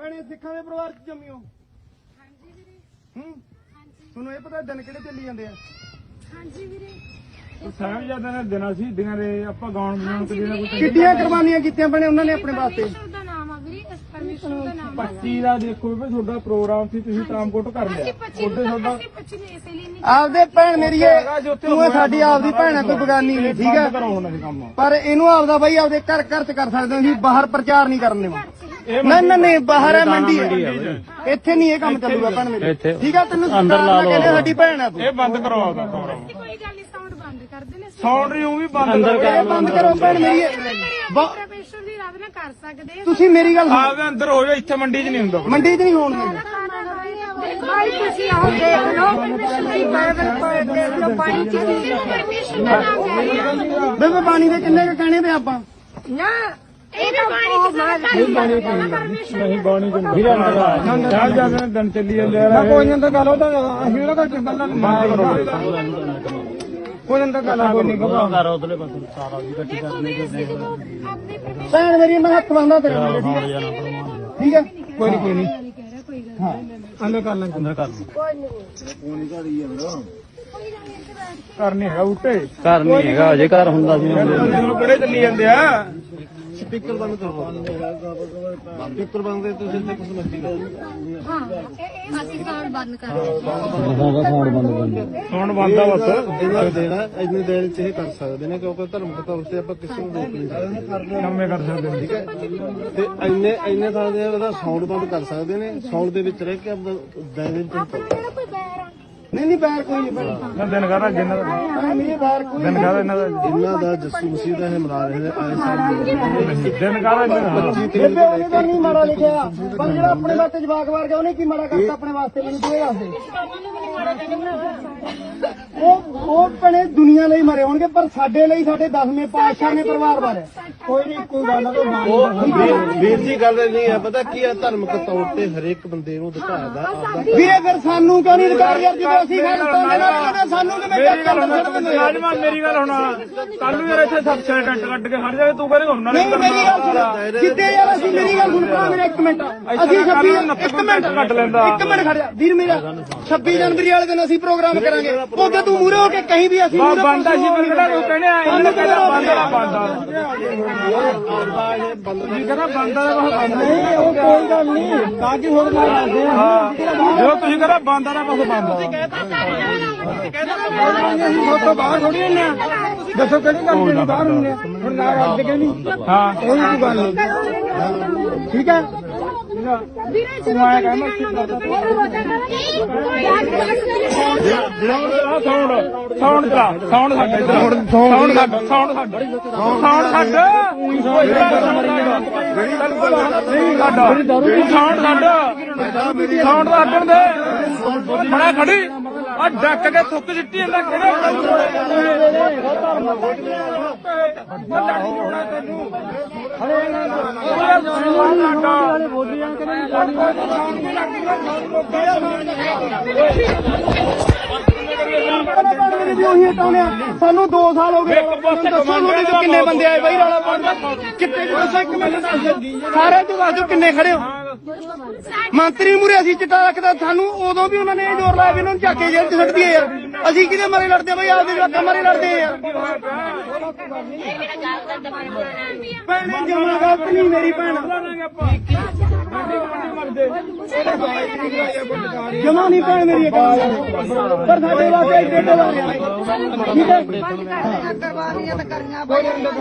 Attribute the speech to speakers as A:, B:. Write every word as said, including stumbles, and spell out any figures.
A: ਭੈਣੇ ਸਿੱਖਾਂ ਦੇ ਪਰਿਵਾਰ ਚ ਜੰਮੀ ਹੋ?
B: ਹਾਂਜੀ ਵੀਰੇ।
A: ਹੂੰ
B: ਹਾਂਜੀ।
A: ਤੁਹਾਨੂੰ ਇਹ ਪਤਾ ਦਿਨ ਕਿਹੜੇ ਚੱਲੀ ਜਾਂਦੇ ਆ?
B: ਹਾਂਜੀ ਵੀਰੇ।
C: ਸਾਹਿਬਜ਼ਾਦਿਆਂ ਨੇ ਦਿਨਾਂ ਸੀ ਦਿਨਾਂ ਦੇ ਆਪਾਂ ਗਾਉਣ ਬਜਾਉਣ ਤੇ ਜਿਹੜਾ ਕੋਈ
A: ਕਿੱਡੀਆਂ ਕੁਰਬਾਨੀਆਂ ਕੀਤੀਆਂ ਭੈਣੇ ਉਹਨਾਂ ਨੇ ਆਪਣੇ ਵਾਸਤੇ?
B: ਪਰਮੇਸ਼ਰ ਦਾ ਨਾਮ ਆ ਵੀਰੇ, ਇਸ ਪਰਮੇਸ਼ਰ ਦਾ ਨਾਮ ਆ।
C: ਪੱਚੀ ਦਾ ਦੇਖੋ ਵੀ ਤੁਹਾਡਾ ਪ੍ਰੋਗਰਾਮ ਸੀ ਤੁਸੀਂ ਟਰਾਂਸਪੋਰਟ ਕਰ ਲਿਆ
B: ਅਸੀਂ ਪੱਚੀ
C: ਉਹਦੇ
B: ਨੂੰ
C: ਤੁਹਾਡਾ
B: ਅਸੀਂ ਪੱਚੀ ਨੂੰ ਇਸੇ ਲਈ ਨਹੀਂ
A: ਆਪਦੇ ਭੈਣ ਮੇਰੀ ਏ, ਤੂੰ ਇਹ ਸਾਡੀ ਆਪਦੀ ਭੈਣ ਹੈ, ਕੋਈ ਬਗਾਨੀ ਨਹੀਂ, ਠੀਕ ਹੈ?
C: ਕਰਾਉਣਾ ਸੀ ਕੰਮ
A: ਪਰ ਇਹਨੂੰ ਆਪਦਾ ਬਾਈ ਆਪਦੇ ਘਰ ਘਰ ਚ ਕਰ ਸਕਦੇ ਹੋ, ਅਸੀਂ ਬਾਹਰ ਪ੍ਰਚਾਰ ਨਹੀਂ ਕਰਨ ਦੇਵਾ।
C: ਇਹ
A: ਨਹੀਂ ਨਹੀਂ ਨਹੀਂ ਬਾਹਰ ਹੈ, ਮੰਡੀ ਹੈ, ਇੱਥੇ ਨਹੀਂ ਇਹ ਕੰਮ ਚੱਲੂਗਾ ਭੈਣ ਮੇਰੀ, ਠੀਕ ਹੈ? ਤੈਨੂੰ ਅੰਦਰ ਲਾ ਲਓ, ਸਾਡੀ ਭੈਣ ਹੈ ਤੂੰ।
C: ਇਹ ਬੰਦ ਕਰਵਾ ਦਾ ਪ੍ਰੋਗਰਾਮ
B: ਕੋਈ ਗੱਲ ਨਹੀਂ, ਸਾਊਂਡ ਬੰਦ ਕਰ ਦੇਣੇ।
C: ਸਾਊਂਡ ਰਿਊ ਵੀ ਬੰਦ
A: ਅੰਦਰ ਇਹ ਬੰਦ ਕਰੋ ਭੈਣ ਮੇਰੀ ਏ। ਬ-
B: ਪਰਮੇਸ਼ਰ ਦੀ ਰੱਬ ਨਾਲ ਕਰ ਸਕਦੇ ਆ।
A: ਤੁਸੀਂ ਮੇਰੀ ਗੱਲ ਸੁਣੋ,
C: ਆਪਦੇ ਅੰਦਰ ਹੋ ਜਾ, ਇੱਥੇ ਮੰਡੀ 'ਚ ਨਹੀਂ ਹੁੰਦਾ
A: ਮੰਡੀ 'ਚ ਨਹੀਂ ਹੋਣ ਦਿੰਦੇ।
B: ਭਾਈ ਤੁਸੀਂ ਆਓ ਦੇਖ ਲਓ, ਪਰਮੇਸ਼ਰ ਦੀ ਬਾਈਬਲ ਪੜ੍ਹ ਦੇਖ ਲਓ, ਪਾਣੀ ਚ ਪਰਮੇਸ਼ਰ ਦਾ ਨਾਮ ਲੈ ਰਹੀ ਹੈ।
A: ਬੇਬੇ ਪਾਣੀ ਦੇ ਕਿੰਨੇ ਕੁ ਕਹਿਣੇ ਤੇ ਆਪਾਂ?
B: ਨਾ ਇਹ ਵੀ ਪਾਣੀ ਚ ਸਾਰਾ ਪਰਮੇਸ਼ਰ
C: ਨਹੀਂ ਬਾਣੀ ਚ ਨਹੀਂ ਸਾਹਿਬਜ਼ਾਦਿਆਂ ਨੇ ਦਿਨ ਚੱਲੀ ਜਾਂਦੇ ਆ ਕੋਈ ਨਹੀਂ ਤਾਂ ਗੱਲ ਉਹਦਾ ਅਸੀਂ ਉਹਦਾ ਕੋਈ ਗੱਲਾਂ ਬੰਦ ਕਰੋ ਕੋਈ ਨਹੀਂ ਤਾਂ ਗੱਲ ਕੋਈ ਨਹੀਂ ਘਬਰਾਓ ਕਰ ਉਧਰਲੇ ਪਾਸੇ ਸਾਰਾ ਵੀ ਇਕੱਠੀ
B: ਦੇਖੋ ਵੀਰੇ, ਅਸੀਂ ਜਦੋਂ ਆਪਣੇ ਪਰਮੇਸ਼ਰ
A: ਭੈਣ ਮੇਰੀ ਮੈਂ ਹੱਥ ਬੰਨਦਾ ਤੇਰੇ ਨਾਲ, ਠੀਕ ਹੈ? ਠੀਕ ਹੈ, ਕੋਈ ਨਹੀਂ ਕੋਈ ਨਹੀਂ
B: ਨਹੀਂ ਕਹਿ ਰਿਹਾ, ਕੋਈ ਗੱਲ ਨਹੀਂ।
A: ਅੰਦਰ ਕਰ ਲੈ, ਅੰਦਰ ਕਰ
C: ਕਰ ਨਹੀਂ ਹੈਗਾ ਉੱਤੇ
D: ਘਰ ਨਹੀਂ ਹੈਗਾ ਅਜੇ ਘਰ ਹੁੰਦਾ ਸੀ
C: ਤੁਹਾਨੂੰ ਕਿਹੜੇ ਚੱਲੀ ਜਾਂਦੇ ਆ
A: ਸਪੀਕਰ ਬੰਦ ਕਰੋ, ਸਪੀਕਰ ਬੰਦ ਕਰ ਤੁਸੀਂ ਇੱਥੇ ਕੁਝ ਮਰਜ਼ੀ ਕਰੋ।
B: ਹਾਂ ਇਹ ਅਸੀਂ ਸਾਊਂਡ ਬੰਦ ਕਰ ਰਹੇ
D: ਸਾਊਂਡ ਬੰਦ ਬੰਦ
C: ਸਾਊਂਡ ਬੰਦ ਆ ਬਸ
A: ਇਹਨਾਂ ਦੇਣਾ ਇੰਨੇ ਦੇਰ ਚ ਇਹ ਕਰ ਸਕਦੇ ਨੇ, ਕਿਉਂਕਿ ਧਰਮ ਦੇ ਤੌਰ ਤੇ ਆਪਾਂ ਕਿਸੇ ਨੂੰ ਰੋਕ ਨਹੀਂ ਸਕਦੇ,
C: ਕੰਮੇ ਕਰ ਸਕਦੇ ਨੇ।
A: ਠੀਕ ਹੈ? ਤੇ ਇੰਨੇ ਇੰਨੇ ਥਾਂ ਦੇ ਉਹਦਾ ਸਾਊਂਡ ਬੰਦ ਕਰ ਸਕਦੇ ਨੇ, ਸਾਊਂਡ ਦੇ ਵਿੱਚ ਰਹਿ ਕੇ ਆਪਦਾ ਦਾਇਰੇ ਵਿੱਚ
B: ਆਪਾਂ ਕਿਹੜਾ ਕੋਈ ਬੈਰ ਆ?
A: ਨਹੀਂ ਨਹੀਂ ਬਾਹਰ ਕੋਈ ਨਹੀਂ ਭੈਣ,
C: ਮੈਂ ਦਿਨ ਕਰ ਅੱਗੇ ਇਹਨਾਂ ਦਾ
A: ਭੈਣ ਮੇਰੀ ਬਾਹਰ ਕੋਈ
C: ਦਿਨ ਕਰ ਇਹਨਾਂ ਦਾ
A: ਇਹਨਾਂ ਦਾ ਜੱਸੂ ਮਸੀਹ ਦਾ ਇਹ ਮਰਾ ਰਹੇ ਨੇ ਆਏ ਸਾਲ
C: ਦਿਨ ਕਰ ਇਹਨਾਂ ਦਾ
A: ਬੇਬੇ ਉਹਨੇ ਤਾਂ ਨਹੀਂ ਮਾੜਾ ਲਿਖਿਆ, ਪਰ ਜਿਹੜਾ ਆਪਣੇ ਵਾਸਤੇ ਜਵਾਕ ਵਾਰ ਗਿਆ ਉਹਨੇ ਕੀ ਮਾੜਾ ਕਰਤਾ ਆਪਣੇ ਵਾਸਤੇ, ਮੈਨੂੰ ਤੂੰ ਇਹ ਦੱਸ ਦੇ। ਉਹ ਉਹ ਭੈਣੇ ਦੁਨੀਆ ਲਈ ਮਰੇ ਹੋਣਗੇ, ਪਰ ਸਾਡੇ ਲਈ ਸਾਡੇ ਦਸਵੇਂ ਪਾਤਸ਼ਾਹ ਨੇ ਪਰਿਵਾਰ ਬਾਰੇ ਕੋਈ ਨਹੀਂ, ਕੋਈ ਗੱਲ ਨਾ। ਵੀਰ ਜੀ ਗੱਲ ਨਹੀਂ ਹੈ, ਪਤਾ ਕੀ ਹੈ, ਧਾਰਮਿਕ ਤੌਰ ਤੇ ਹਰੇਕ ਬੰਦੇ ਨੂੰ ਅਧਿਕਾਰ ਦਾ ਆਪਦਾ। ਵੀਰੇ ਫਿਰ ਸਾਨੂੰ ਕਿਉਂ ਨਹੀਂ ਅਧਿਕਾਰ ਯਾਰ, ਜਦੋਂ ਅਸੀਂ ਖਾਲਸਾ ਦੇ ਨਾਲ ਕਹਿੰਦੇ ਸਾਨੂੰ ਕਿਵੇਂ
C: ਮੇਰੀ ਗੱਲ
A: ਚੱਕ
C: ਹੁਣ ਰਾਜਮਾਨ ਮੇਰੀ ਗੱਲ ਹੁਣ ਕੱਲ ਨੂੰ ਯਾਰ ਇੱਥੇ ਸਬਸੇ ਟੈਂਟ ਕੱਢ ਕੇ ਹਟ ਜਾਵੇ ਤੂੰ ਕਹਿੰਦੇ ਹੁਣ ਨਾਲੇ
A: ਨਹੀਂ ਮੇਰੀ ਗੱਲ ਸੁਣ, ਜਿੱਦੇ ਯਾਰ ਅਸੀਂ ਮੇਰੀ ਗੱਲ ਸੁਣ ਭਰਾ ਮੇਰਾ ਇੱਕ ਮਿੰਟ, ਅਸੀਂ ਛੱਬੀ ਇੱਕ ਮਿੰਟ
C: ਕੱਟ ਲੈਂਦਾ
A: ਇੱਕ ਮਿੰਟ ਖੜ ਜਾ ਵੀਰ ਮੇਰਾ, ਛੱਬੀ ਜਨਵਰੀ ਵਾਲੇ ਦਿਨ ਅਸੀਂ ਪ੍ਰੋਗਰਾਮ ਕਰਾਂਗੇ, ਉਹਦੇ ਤੂੰ ਮੂਰੇ ਹੋ ਕੇ ਕਹੀਂ ਵੀ ਅਸੀਂ ਮੂਹਰੇ
C: ਬੰਦਾ ਸੀ ਪਰ ਕਿਹੜਾ ਤੂੰ ਕਹਿੰਦੇ ਆ ਇਹਨੂੰ ਕਹਿੰਦਾ ਬੰਦਾ ਦਾ ਬੰਦਾ ਜੀ ਕਹਿੰਦਾ ਬੰਦਾ ਦਾ ਬੰਦਾ ਨਹੀਂ, ਉਹ ਕੋਈ ਗੱਲ ਨਹੀਂ ਕਾਜੀ ਹੋਰ ਨਾ ਕਰਦੇ ਹਾਂ ਜੋ ਤੁਸੀਂ ਕਹਿੰਦਾ ਬੰਦਾ ਦਾ ਬਸ ਬੰਦਾ
A: ਅਸੀਂ ਫੋਟੋ ਬਾਹਰ ਥੋੜੀ ਹੁੰਦੇ ਆ, ਦੱਸੋ ਕਿਹੜੀ ਗੱਲ ਜਿਹੜੀ ਬਾਹਰ ਹੁੰਦੇ ਆ, ਹੁਣ ਨਾ ਰੱਜ ਕੇ ਨਹੀਂ,
C: ਹਾਂ
A: ਕੋਈ ਕੋਈ ਗੱਲ ਨਹੀਂ, ਠੀਕ ਹੈ?
B: ਵੀਰੇ ਜਦੋਂ
C: ਸਾਊਂਡ ਸਾਊਂਡ ਚਲਾ ਸਾਊਂਡ ਸਾਡੇ ਸਾਊਂਡ ਸਾਊਂਡ ਸਾਡਾ ਸਾਊਂਡ ਸਾਡਾ ਸਾਊਂਡ ਸਾਡਾ ਨਹੀਂ ਸਾਡਾ ਸਾਊਂਡ ਸਾਡਾ ਸਾਊਂਡ ਦਾ ਹੱਟਣ ਦੇ ਬੜਾ ਖੜੀ ਆ ਡੱਕ ਕੇ ਥੁੱਕ ਸਿੱਟੀ ਜਾਂਦਾ
A: ਉਹੀ ਹਟਾਉਣੇ ਆ, ਸਾਨੂੰ ਦੋ ਸਾਲ ਹੋ ਗਏ, ਦੱਸੋ ਤੁਹਾਡੇ ਚੋਂ ਕਿੰਨੇ ਬੰਦੇ ਆਏ ਬਾਈ ਰੌਲਾ ਪਾਉਣ, ਕਿੱਥੇ ਦੱਸੋ ਇੱਕ ਮਿੰਟ ਦੱਸ ਦਿਓ, ਸਾਰੇ ਤੋਂ ਦੱਸ ਦਿਓ ਕਿੰਨੇ ਖੜੇ ਹੋ? ਮੰਤਰੀ ਮੂਰੇ ਅਸੀਂ ਚਿੱਟਾ ਰੱਖਦਾ, ਸਾਨੂੰ ਉਦੋਂ ਵੀ ਉਹਨਾਂ ਨੇ ਇਹ ਜ਼ੋਰ ਲਾਇਆ ਵੀ ਇਹਨਾਂ ਨੂੰ ਚੱਕ ਕੇ ਜੇਲ੍ਹ ਚ ਸੁੱਟ ਦਈਏ ਯਾਰ, ਅਸੀਂ ਕਿਹਦੇ ਮਾਰੇ ਲੜਦੇ ਆ ਬਾਈ, ਆਪਦੇ ਜਵਾਕਾਂ ਮਾਰੇ ਲੜਦੇ ਆ ਯਾਰ। ਭੈਣੇ ਜਮਾ ਗਲਤ ਨਹੀਂ ਮੇਰੀ ਭੈਣ, ਜਮਾ ਨਹੀਂ ਭੈਣ ਮੇਰੀ, ਪਰ ਸਾਡੇ ਵਾਸਤੇ ਇੱਥੇ ਢਲਾ ਰਿਹਾ, ਠੀਕ ਹੈ?